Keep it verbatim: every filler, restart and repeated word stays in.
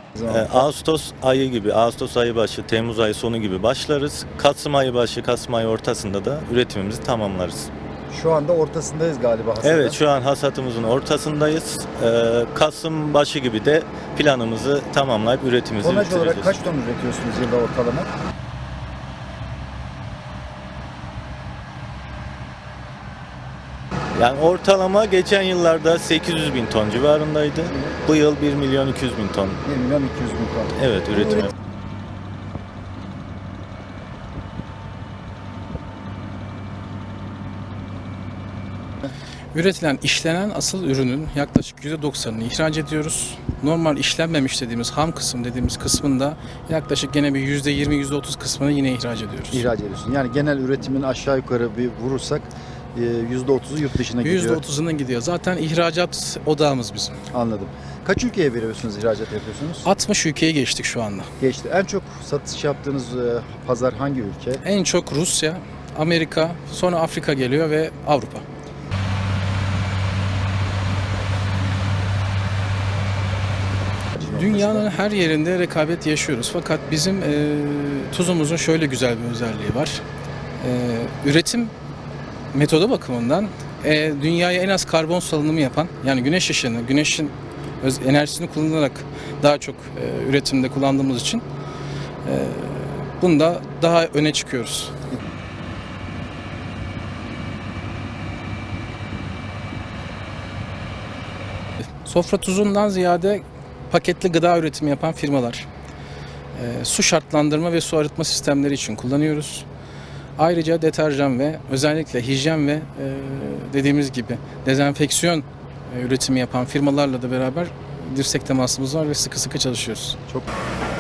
Zaman. Ee, Ağustos ayı gibi, Ağustos ayı başı, Temmuz ayı sonu gibi başlarız. Kasım ayı başı, Kasım ayı ortasında da üretimimizi tamamlarız. Şu anda ortasındayız galiba hasada. Evet, şu an hasatımızın ortasındayız. Ee, Kasım başı gibi de planımızı tamamlayıp üretimimizi Tonaj bitireceğiz. olarak kaç ton üretiyorsunuz yılda ortalama? Yani ortalama geçen yıllarda sekiz yüz bin ton civarındaydı. Bu yıl bir milyon iki yüz bin ton. bir milyon iki yüz bin ton. Evet, üretim. üretim- Üretilen, işlenen asıl ürünün yaklaşık yüzde doksanını ihraç ediyoruz. Normal işlenmemiş dediğimiz ham kısım dediğimiz kısmında yaklaşık gene bir yüzde yirmi yüzde otuz kısmını yine ihraç ediyoruz. ihraç ediyorsun. Yani genel üretimin aşağı yukarı bir vurursak yüzde otuzu yurt dışına gidiyor. yüzde otuzunun gidiyor. Zaten ihracat odağımız bizim. Anladım. Kaç ülkeye veriyorsunuz, ihracat yapıyorsunuz? altmış ülkeye geçtik şu anda. Geçti. En çok satış yaptığınız e, pazar hangi ülke? En çok Rusya, Amerika, sonra Afrika geliyor ve Avrupa. Dünyanın her yerinde rekabet yaşıyoruz. Fakat bizim e, tuzumuzun şöyle güzel bir özelliği var. E, üretim metodu bakımından e, dünyaya en az karbon salınımı yapan, yani güneş ışığını, güneşin öz, enerjisini kullanarak daha çok e, üretimde kullandığımız için e, bunda daha öne çıkıyoruz. Sofra tuzundan ziyade paketli gıda üretimi yapan firmalar, e, su şartlandırma ve su arıtma sistemleri için kullanıyoruz. Ayrıca deterjan ve özellikle hijyen ve e, dediğimiz gibi dezenfeksiyon e, üretimi yapan firmalarla da beraber dirsek temasımız var ve sıkı sıkı çalışıyoruz. Çok